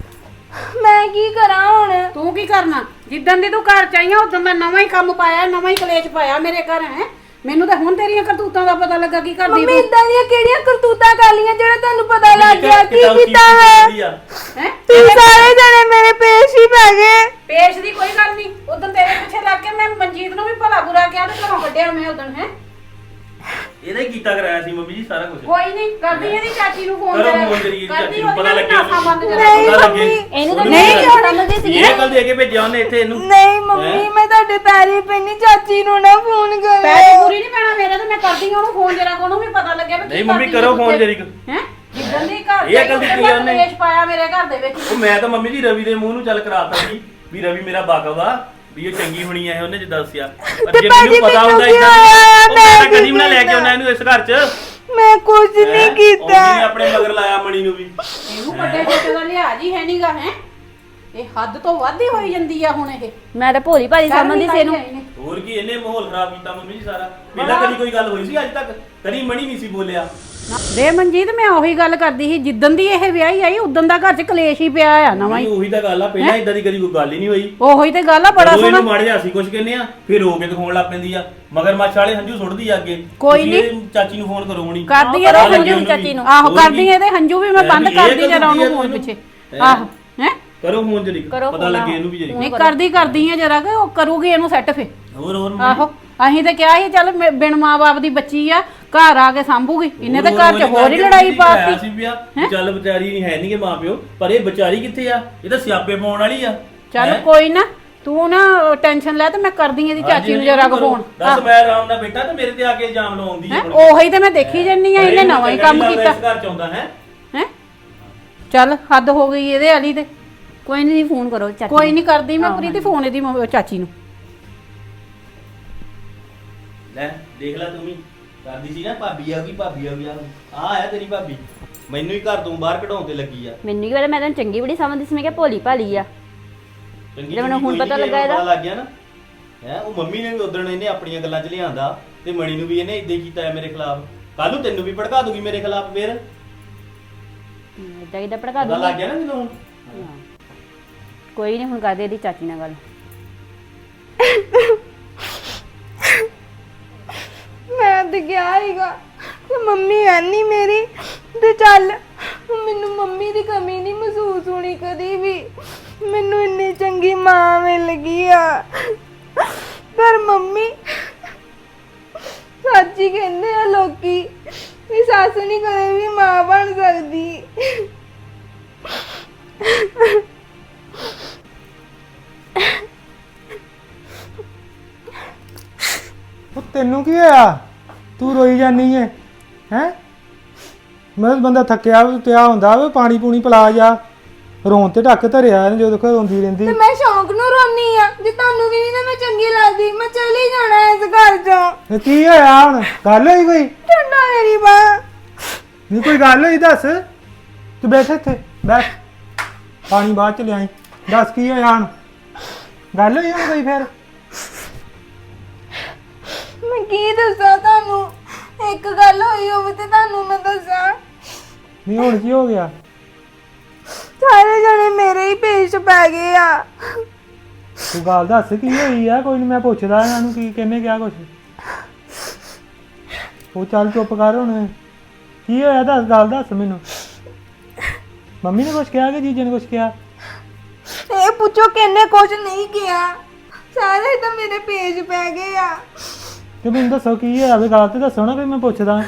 ਮੈਂ ਕੀ ਕਰਾਂ ਹੁਣ?
ਤੂੰ ਕੀ ਕਰਨਾ? ਜਿੱਦਣ ਦੀ ਤੂੰ ਘਰ ਚ ਆਈ ਆ ਉਦੋਂ ਦਾ ਨਵਾਂ ਹੀ ਕੰਮ ਪਾਇਆ, ਨਵਾਂ ਹੀ ਕਲੇਸ਼ ਪਾਇਆ ਮੇਰੇ ਘਰ ਹੈ। ਮੈਨੂੰ ਤਾਂ ਹੁਣ ਤੇਰੀਆਂ ਕਰਤੂਤਾਂ ਦਾ ਪਤਾ ਲੱਗਾ ਕੀ ਕਰਦੀ
ਮੰਮੀ
ਤੂੰ।
ਇਦਾਂ ਦੀਆਂ ਕਿਹੜੀਆਂ ਕਰਤੂਤਾਂ ਕਰ ਲੀਆਂ ਜਿਹੜਾ ਤੁਹਾਨੂੰ ਪਤਾ ਲੱਗ ਗਿਆ? ਕੀ ਕੀਤਾ ਹੈ?
ਹੈ
ਤੁਸੀਂ ਸਾਰੇ ਜਣੇ ਮੇਰੇ ਪੇਸ਼ ਹੀ ਪੈ ਗਏ।
ਪੇਸ਼ ਦੀ ਕੋਈ ਗੱਲ ਨਹੀਂ। ਉਦੋਂ ਤੇਰੇ ਪਿੱਛੇ ਲੱਗ ਕੇ ਮੈਂ ਮਨਜੀਤ ਨੂੰ ਵੀ ਭਲਾ ਬੁਰਾ ਕਿਹਾ ਤੇ ਘਰੋਂ ਕੱਢਿਆ ਮੈਂ ਉਦੋਂ ਹੈ।
ਇਹਦਾ ਹੀ ਕੀਤਾ ਕਰਾਇਆ ਸੀ ਮੰਮੀ ਜੀ ਸਾਰਾ ਕੁਝ।
ਕੋਈ ਨਹੀਂ ਕਰਦੀ ਇਹਦੀ ਚਾਚੀ ਨੂੰ ਫੋਨ
ਕਰੋ ਫੋਨ ਕਰੀਏ ਚਾਚੀ ਨੂੰ, ਪਤਾ ਲੱਗਿਆ
ਨਹੀਂ
ਪਤਾ ਲੱਗੇ।
ਮੰਮੀ,
ਇਹਨੂੰ ਤਾਂ
ਨਹੀਂ
ਸਮਝਦੀ ਸੀ
ਇਹ ਗੱਲ ਦੇ ਕੇ ਭੇਜਿਆ ਉਹਨੇ ਇੱਥੇ ਇਹਨੂੰ।
ਨਹੀਂ ਮੰਮੀ ਮੈਂ ਤੁਹਾਡੇ ਪੈਰੀ ਪੈਣੀ, ਚਾਚੀ ਨੂੰ ਨਾ ਫੋਨ ਕਰੋ।
ਪੈਸੇ ਪੂਰੀ ਨਹੀਂ ਪੈਣਾ ਮੇਰੇ ਤੇ। ਮੈਂ ਕਰਦੀ ਹਾਂ ਉਹਨੂੰ ਫੋਨ ਜਰਾ ਕੋ ਉਹਨੂੰ ਵੀ ਪਤਾ ਲੱਗਿਆ ਵੀ
ਨਹੀਂ ਮੰਮੀ ਕਰੋ ਫੋਨ ਜਰੀ।
ਹੈ ਜਿੱਦਣ ਦੀ ਘਰ
ਇਹ ਗੱਲ ਕੀਤੀ ਉਹਨੇ।
ਕਲੇਸ਼ ਪਾਇਆ ਮੇਰੇ ਘਰ ਦੇ ਵਿੱਚ।
ਉਹ ਮੈਂ ਤਾਂ ਮੰਮੀ ਜੀ ਰਵੀ ਦੇ ਮੂੰਹ ਨੂੰ ਚੱਲ ਕਰਾਤਾ ਸੀ ਵੀ ਰਵੀ ਮੇਰਾ ਬਾਕਵ ਆ, ਵੀ ਇਹ ਚੰਗੀ ਹੋਣੀ ਐ ਉਹਨੇ ਜਿੱਦਾਂ ਦੱਸਿਆ। ਪਰ ਜੇ ਮੈਨੂੰ ਪਤਾ ਹੁੰਦਾ ਇਦਾਂ ਮੈਂ ਕਦੀ ਵੀ ਨਾ ਲੈ ਕੇ ਆਉਣਾ ਇਹਨੂੰ ਇਸ ਘਰ 'ਚ।
ਮੈਂ ਕੁਝ ਨਹੀਂ ਕੀਤਾ।
ਉਹਨੇ ਆਪਣੇ ਮਗਰ ਲਾਇਆ ਮਣੀ ਨੂੰ ਵੀ।
ਇਹਨੂੰ ਵੱਡੇ ਛੋਟੇ ਦਾ ਲਿਹਾਜ਼ ਹੀ ਹੈ ਨਹੀਂਗਾ ਹੈ। ਇਹ ਹੱਦ ਤੋਂ ਵੱਧ ਹੀ ਹੋਈ ਜਾਂਦੀ ਆ ਹੁਣ ਇਹ।
ਮੈਂ ਤਾਂ ਭੋਲੀ ਭਾਲੀ ਸਮਝਦੀ ਸੀ ਇਹਨੂੰ।
ਹੋਰ ਕੀ ਇਹਨੇ ਮਾਹੌਲ ਖਰਾਬ ਕੀਤਾ ਮੰਮੀ ਜੀ ਸਾਰਾ। ਪਹਿਲਾਂ ਕਦੀ ਕੋਈ ਗੱਲ ਹੋਈ ਸੀ ਅੱਜ ਤੱਕ? ਕਦੀ ਮਣੀ ਨਹੀਂ ਸੀ ਬੋਲਿਆ।
ਦੇ ਮਨਜੀਤ ਮੈਂ ਉਹੀ ਗੱਲ ਕਰਦੀ ਸੀ ਜਿੱਦਣ ਦੀ ਇਹ ਵਿਆਹੀ ਆਈ ਉਦੋਂ ਦਾ ਘਰ 'ਚ ਕਲੇਸ਼ ਹੀ ਪਿਆ ਆ ਨਵਾਂ ਹੀ।
ਉਹੀ ਤਾਂ ਗੱਲ ਆ, ਪਹਿਲਾਂ ਇਦਾਂ ਦੀ ਕਦੀ ਕੋਈ ਗੱਲ ਹੀ ਨਹੀਂ ਹੋਈ।
ਉਹੀ ਤੇ ਗੱਲ ਆ। ਬੜਾ
ਜਦੋਂ
ਸੋਹਣਾ
ਇਹਨੂੰ ਮਾੜੇ ਜਿਹਾ ਅਸੀਂ ਕੁਝ ਕਹਿੰਦੇ ਆ ਫਿਰ ਰੋ ਕੇ ਦਿਖਾਉਣ ਲੱਗ ਪੈਂਦੀ ਆ। ਮਗਰ ਮੱਛ ਵਾਲੇ ਹੰਝੂ ਸੁੱਟਦੀ ਆ ਅੱਗੇ।
ਕੋਈ
ਤੁਸੀਂ
ਨਹੀਂ।
ਇਹ ਚਾਚੀ ਨੂੰ ਫੋਨ ਕਰੋ ਹੁਣੀ।
ਕਰਦੀ
ਕਰੋ
ਇਹਦੇ
ਹੰਝੂ
ਹੰਝੂ
ਚਾਚੀ ਨੂੰ।
ਆਹੋ
ਹੋਰ
ਕਰਦੀ
ਕੀ?
ਇਹਦੇ ਹੰਝੂ ਵੀ ਮੈਂ ਬੰਦ
ਇਹ
ਕਰਦੀ ਜਰਾ
ਕਰਦੀ ਆ
ਉਹਨੂੰ ਫੋਨ
ਤੈਨੂੰ।
ਪਿੱਛੇ। ਆਹੋ ਹੈ
ਕਰੋ ਫੋਨ ਜਰੀ,
ਕਰੋ
ਪਤਾ
ਫੋਨ
ਲੱਗੇ ਇਹਨੂੰ ਵੀ ਜਰੀ।
ਨਹੀਂ ਕਰਦੀ ਆ ਜਰਾ ਕਿ ਉਹ ਕਰੂਗੀ ਇਹਨੂੰ ਸੈੱਟ ਫੇ।
ਹੋਰ
ਆਹੋ ਅਸੀਂ ਤੇ ਕਿਹਾ ਸੀ ਚੱਲ ਬਿਨ ਮਾਂ-ਬਾਪ ਦੀ ਬੱਚੀ ਆ ਘਰ ਆ ਕੇ ਸੰਭੂਗੀ। ਇਹਨੇ ਤਾਂ ਘਰ 'ਚ ਹੋਰ ਹੀ ਲੜਾਈ ਪਾਤੀ।
ਸੀ ਪਿਆ ਚੱਲ ਵਿਚਾਰੀ ਨਹੀਂ ਹੈ ਨਹੀਂਗੇ ਮਾਪਿਓ, ਪਰ ਇਹ ਵਿਚਾਰੀ ਕਿੱਥੇ ਆ? ਇਹ ਤਾਂ ਸਿਆਪੇ ਪਾਉਣ ਵਾਲੀ ਆ।
ਚੱਲ ਕੋਈ ਨਾ ਤੂੰ ਨਾ ਟੈਨਸ਼ਨ ਲੈ ਤੇ ਮੈਂ ਕਰਦੀ ਇਹਦੀ ਚਾਚੀ ਨੂੰ ਜਰਾ ਕੋ ਫੋਨ।
ਦੱਸ ਮੈਂ ਆਰਾਮ ਨਾਲ ਬੈਠਾ ਤੇ ਮੇਰੇ ਤੇ ਆ ਕੇ ਇਲਜ਼ਾਮ ਲਾਉਂਦੀ
ਹੈ
ਹੈ।
ਉਹੀ ਤੇ ਮੈਂ ਦੇਖੀ ਜੰਨੀ ਆ ਇਹਨੇ ਨਵਾਂ ਹੀ ਕੰਮ ਕੀਤਾ
ਇਸ ਘਰ ਚ ਆਉਂਦਾ ਹੈ।
ਹੈ। ਚੱਲ ਹੱਦ ਹੋ ਗਈ ਇਹਦੇ ਵਾਲੀ ਤੇ।
ਕੋਈ ਨਹੀਂ ਫੋਨ ਕਰੋ ਚਾਚੀ
ਕੋਈ ਨਹੀਂ ਕਰਦੀ ਮੈਂ ਪ੍ਰੀਤੀ ਫੋਨ ਇਹਦੀ ਚਾਚੀ ਨੂੰ।
ਲੈ ਦੇਖ ਲੈ ਤੂੰ ਵੀ ਕਰਦੀ ਸੀ ਨਾ ਭਾਬੀ ਆ ਗਈ ਭਾਬੀ ਆ ਗਈ। ਆ ਆਇਆ ਤੇਰੀ ਭਾਬੀ, ਮੈਨੂੰ ਹੀ ਘਰ ਤੋਂ ਬਾਹਰ ਕਢਾਉਣ ਤੇ ਲੱਗੀ ਆ।
ਮੈਨੂੰ ਕੀ ਪਤਾ, ਮੈਂ ਤਾਂ ਚੰਗੀ ਬੜੀ ਸਮਝਦੀ ਸੀ। ਮੈਂ ਕਿਹਾ ਭੋਲੀ ਭਾਲੀ ਆ।
ਚੰਗੀ
ਜਦੋਂ ਮੈਨੂੰ ਹੁਣ
ਕੋਈ ਨੀ,
ਪਤਾ ਲੱਗਾ
ਇਹਨੂੰ
ਇਹਦਾ।
ਪਤਾ ਲੱਗ ਗਿਆ ਨਾ ਹੈ। ਉਹ ਮੰਮੀ ਨੇ ਵੀ ਉਦਣ ਇਹਨੇ ਆਪਣੀਆਂ ਗੱਲਾਂ 'ਚ ਲਿਆਂਦਾ ਤੇ ਮਣੀ ਨੂੰ ਵੀ ਇਹਨੇ ਇਦਾਂ ਕੀਤਾ ਹੈ ਮੇਰੇ ਖਿਲਾਫ। ਕੱਲ ਨੂੰ ਤੈਨੂੰ ਵੀ ਭੜਕਾ ਦੂਗੀ ਮੇਰੇ ਖਿਲਾਫ ਫੇਰ।
ਇਦਾਂ ਕਿਦਾਂ ਭੜਕਾ
ਪਤਾ ਲੱਗ
ਦੂੰਗੀ।
ਗਿਆ ਨਾ ਤੈਨੂੰ ਹੁਣ।
ਕੋਈ ਨਹੀਂ ਹੁਣ ਕਰਦੇ ਇਹਦੀ ਚਾਚੀ ਨਾਲ ਗੱਲ।
ਮੈਂ ਤੇ ਕਿਹਾ ਹੀਗਾ ਕਿ ਮੰਮੀ ਹੈ ਨਹੀਂ ਮੇਰੀ ਤੇ ਚੱਲ ਮੈਨੂੰ ਮੰਮੀ ਦੀ ਕਮੀ ਨਹੀਂ ਮਹਿਸੂਸ ਹੋਣੀ ਕਦੀ ਵੀ। ਮੈਨੂੰ ਇੰਨੀ ਚੰਗੀ ਮਾਂ ਮਿਲ ਗਈ ਆ। ਪਰ ਮੰਮੀ ਸੱਚ ਹੀ ਕਹਿੰਦੇ ਆ ਲੋਕੀ ਵੀ ਸੱਸ ਨਹੀਂ ਕਦੇ ਵੀ ਮਾਂ ਬਣ ਸਕਦੀ।
ਉਹ ਤੈਨੂੰ ਕੀ ਹੋਇਆ? ਤੂੰ ਰੋਈ ਜਾਨੀ ਹੈ ਹੈ? ਮੈਂ ਬੰਦਾ ਥੱਕਿਆ ਪਿਆ ਹੁੰਦਾ ਵੇ, ਪਾਣੀ ਪੂਣੀ ਪਿਲਾ ਜਾ। ਰੋਣ ਤੇ ਢੱਕ ਧਰਿਆ ਇਹਨੇ ਜਦੋਂ ਦੇਖੋ ਰੋਂਦੀ ਰਹਿੰਦੀ।
ਤੇ ਮੈਂ ਸ਼ੌਂਕ ਨੂੰ ਰੋਨੀ ਆ, ਜੇ ਤੁਹਾਨੂੰ ਵੀ ਨਹੀਂ ਨਾ ਮੈਂ ਚੰਗੀ ਲੱਗਦੀ ਮੈਂ ਚਲੀ ਜਾਣਾ ਇਸ ਘਰ ਚੋਂ।
ਤੇ ਕੀ ਹੋਇਆ ਹੁਣ? ਗੱਲ ਹੋਈ ਕੋਈ?
ਠੰਡਾ ਮੇਰੀ ਬਾਂਹ।
ਨਹੀਂ ਕੋਈ ਗੱਲ ਹੋਈ ਦੱਸ। ਤੂੰ ਬੈਠ ਇੱਥੇ ਬੈਠ, ਪਾਣੀ ਬਾਅਦ ਚ ਲਿਆਈ। ਦੱਸ ਕੀ ਹੋਇਆ ਹੁਣ? ਗੱਲ ਹੋਈ ਹੁਣ ਕੋਈ ਫਿਰ?
ਮੈਂ ਕੀ ਦੱਸਾਂ ਤੁਹਾਨੂੰ, ਇੱਕ ਗੱਲ ਹੋਈ ਹੋਵੇ ਤੇ ਤੁਹਾਨੂੰ ਮੈਂ ਦੱਸਾਂ।
ਨਹੀਂ ਹੁਣ ਕੀ ਹੋ ਗਿਆ?
ਸਾਰੇ ਜਣੇ ਮੇਰੇ ਹੀ ਪੇਸ਼ ਪੈ ਗਏ ਆ।
ਤੂੰ ਗੱਲ ਦੱਸ ਕੀ ਹੋਈ ਆ? ਕੋਈ ਨਹੀਂ ਮੈਂ ਪੁੱਛਦਾ ਇਹਨਾਂ ਨੂੰ ਕੀ ਕਿਹਨੇ ਕਿਹਾ ਕੁਛ। ਉਹ ਚੱਲ ਚੁੱਪ ਕਰ ਹੁਣ। ਕੀ ਹੋਇਆ ਦੱਸ, ਗੱਲ ਦੱਸ ਮੈਨੂੰ। ਮੰਮੀ ਨੇ ਕੁਛ ਕਿਹਾ ਕਿ ਜੀਜੇ ਨੇ ਕੁਛ ਕਿਹਾ?
ਇਹ ਪੁੱਛੋ ਕਿੰਨੇ ਕੁਝ ਨਹੀਂ ਕਿਹਾ, ਸਾਰੇ ਤਾਂ ਮੇਰੇ ਪੇਜ ਪੈ ਗਏ ਆ।
ਤੇ ਮੈਨੂੰ ਦੱਸੋ ਕੀ ਹੋਇਆ ਵੀ, ਗੱਲ ਤੇ ਦੱਸੋ ਨਾ, ਫਿਰ ਮੈਂ ਪੁੱਛਦਾ।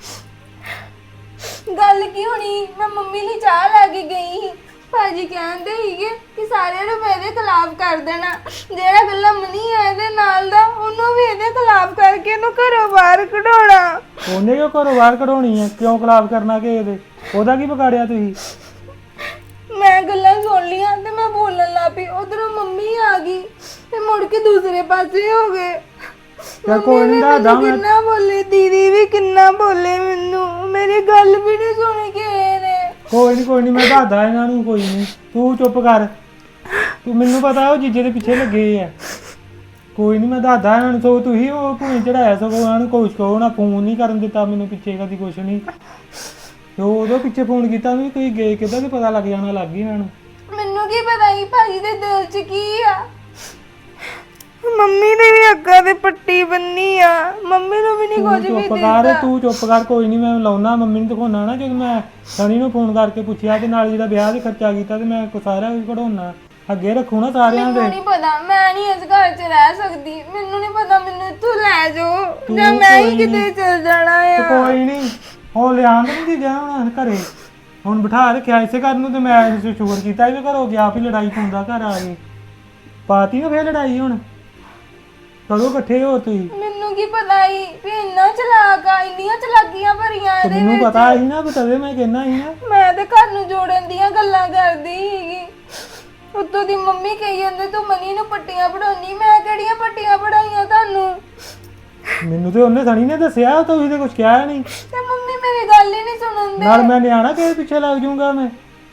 ਗੱਲ ਕੀ ਹੋਣੀ, ਮੈਂ ਮੰਮੀ ਲਈ ਚਾਹ ਲੈ ਕੇ ਗਈ ਸੀ। ਭਾਜੀ ਕਹਿੰਦੇ ਸੀਗੇ ਕਿ ਸਾਰਿਆਂ ਨੂੰ ਮੇਰੇ ਖਿਲਾਫ ਕਰ ਦੇਣਾ, ਜਿਹੜਾ ਗੱਲਾਂ ਮਨੀ ਆ ਇਹਦੇ ਨਾਲ ਦਾ ਉਹਨੂੰ ਵੀ ਇਹਦੇ ਖਿਲਾਫ ਕਰਕੇ ਇਹਨੂੰ ਘਰੋਂ ਬਾਹਰ ਕਢਾਉਣਾ।
ਉਹਨੇ ਕਿਉਂ ਘਰੋਂ ਬਾਹਰ ਕਢਾਉਣੀ ਹੈ? ਕਿਉਂ ਖਿਲਾਫ ਕਰਨਾ ਕਿ ਇਹਦੇ? ਉਹਦਾ ਕੀ ਵਿਗਾੜਿਆ ਤੁਸੀਂ?
ਮੈਂ ਗੱਲਾਂ ਸੁਣ ਲੀਆਂ ਤੇ ਮੈਂ ਬੋਲਣ ਲੱਗ ਪਈ, ਉਧਰੋਂ ਮੰਮੀ ਆ ਗਈ ਤੇ ਮੁੜ ਕੇ ਦੂਸਰੇ ਪਾਸੇ ਹੋ ਗਏ।
ਚੱਲ ਕੋਈ ਨਹੀਂ ਦੱਸਦਾ ਮੈਂ।
ਕਿੰਨਾ ਬੋਲੇ, ਦੀਦੀ ਵੀ ਕਿੰਨਾ ਬੋਲੇ, ਮੈਨੂੰ ਮੇਰੀ ਗੱਲ ਵੀ ਨਹੀਂ ਸੁਣੀ ਕਿਸੇ ਨੇ।
ਕੋਈ ਨਹੀਂ ਮੈਂ ਦੱਸਦਾ ਇਹਨਾਂ ਨੂੰ। ਕੋਈ ਨਹੀਂ ਤੂੰ ਚੁੱਪ ਕਰ। ਤੂੰ ਮੈਨੂੰ ਪਤਾ ਉਹ ਜੀਜੇ ਦੇ ਪਿੱਛੇ ਲੱਗੇ ਆ। ਕੋਈ ਨਹੀਂ ਮੈਂ ਦੱਸਦਾ ਇਹਨਾਂ ਨੂੰ। ਸੋ ਤੁਸੀਂ ਉਹ ਭੂਏ ਚੜਾਇਆ, ਸਗੋਂ ਇਹਨਾਂ ਨੂੰ ਕੁਛ ਕਹੋ ਨਾ, ਫੋਨ ਨਹੀਂ ਕਰਨ ਦਿੱਤਾ ਮੈਨੂੰ ਪਿੱਛੇ ਕਦੀ ਕੁਛ ਨਹੀਂ। ਤੇ ਉਹਦੇ ਪਿੱਛੇ ਫੋਨ ਕੀਤਾ ਵੀ ਕੋਈ ਗਏ ਕਿੱਦਾਂ, ਤੇ ਪਤਾ ਲੱਗ ਜਾਣਾ ਲੱਗ ਗਈ ਇਹਨਾਂ ਨੂੰ।
ਮੈਨੂੰ ਕੀ ਪਤਾ ਸੀ ਭਾਜੀ ਦੇ ਦਿਲ 'ਚ ਕੀ ਆ। ਮੰਮੀ ਨੇ ਵੀ ਅੱਗਾ ਤੇ ਪੱਟੀ ਬੰਨੀ ਆ, ਮੰਮੀ ਨੂੰ ਵੀ ਨਹੀਂ ਕੁਝ ਵੀ
ਚੁੱਪ ਕਰ,
ਦਿੱਤਾ।
ਤੂੰ ਚੁੱਪ ਕਰ। ਕੋਈ ਨਹੀਂ ਮੈਂ ਲਾਉਣਾ ਮੰਮੀ ਨੂੰ ਦਿਖਾਉਣਾ ਨਾ। ਜਦੋਂ ਮੈਂ ਸਣੀ ਨੂੰ ਫੋਨ ਕਰਕੇ ਪੁੱਛਿਆ ਤੇ ਨਾਲ ਜਿਹੜਾ ਵਿਆਹ ਦੇ ਖਰਚਾ ਕੀਤਾ ਤੇ ਮੈਂ ਸਾਰਾ ਕੁਝ ਕਢਾਉਣਾ ਅੱਗੇ ਰੱਖੂ ਨਾ ਸਾਰਿਆਂ ਦੇ।
ਮੈਨੂੰ ਨਹੀਂ ਪਤਾ, ਮੈਂ ਨਹੀਂ ਇਸ ਘਰ 'ਚ ਰਹਿ ਸਕਦੀ। ਮੈਨੂੰ ਨਹੀਂ ਪਤਾ, ਮੈਨੂੰ ਇੱਥੋਂ ਲੈ ਜਾਓ
ਤੂੰ
ਜਾਂ ਮੈਂ ਹੀ
ਕੋਈ
ਕਿਤੇ ਚਲ ਜਾਣਾ
ਤੇ
ਆ।
ਕੋਈ ਨਹੀਂ ਉਹ ਲਿਆਂਦ ਨਹੀਂ ਗਿਆ ਹੁਣ ਘਰੇ। ਹੁਣ ਬਿਠਾ ਰੱਖਿਆ ਇਸੇ ਘਰ ਨੂੰ ਤੇ ਮੈਂ ਸ਼ੁਕਰ ਕੀਤਾ ਵੀ ਘਰੋਂ ਗਿਆ ਵੀ ਲੜਾਈ ਪਾਉਂਦਾ ਘਰ ਆ ਕੇ। ਪਾਤੀ ਨਾ ਫੇਰ ਲੜਾਈ ਹੁਣ। ਕਦੋਂ ਇਕੱਠੇ ਹੋ ਤੁਸੀਂ?
ਮੈਨੂੰ ਕੀ ਪਤਾ ਸੀ ਵੀ ਇੰਨਾ ਚਲਾਕ ਆ, ਇੰਨੀਆਂ ਚਲਾਕੀਆਂ ਭਰੀਆਂ
ਤੇ
ਇਹਦੇ
ਮੈਨੂੰ
ਵਿੱਚ।
ਪਤਾ ਸੀ ਨਾ, ਬਤਵੇ ਮੈਂ ਕਹਿਣਾ ਸੀ ਨਾ।
ਮੈਂ ਤੇ ਘਰ ਨੂੰ ਜੋੜਨ ਦੀਆਂ ਗੱਲਾਂ ਕਰਦੀ ਸੀਗੀ, ਉੱਤੋਂ ਦੀ ਮੰਮੀ ਕਹੀ ਜਾਂਦੇ ਤੂੰ ਮਨੀ ਨੂੰ ਪੱਟੀਆਂ ਪੜਾਉਣੀ। ਮੈਂ ਕਿਹੜੀਆਂ ਪੱਟੀਆਂ ਪੜਾਈਆਂ ਤੁਹਾਨੂੰ?
ਮੈਨੂੰ ਤੇ ਉਹਨੇ ਸਣੀ ਨੇ ਦੱਸਿਆ, ਤੁਸੀਂ ਤੇ ਕੁਝ ਕਿਹਾ ਨਹੀਂ।
ਤੇ ਮੰਮੀ ਮੇਰੀ ਗੱਲ ਹੀ ਨਹੀਂ ਸੁਣਦੇ।
ਨਾਲ ਮੈਂ ਨਿਆਣਾ ਕਿਸੇ ਪਿੱਛੇ ਲੱਗ ਜਾਊਂਗਾ ਮੈਂ।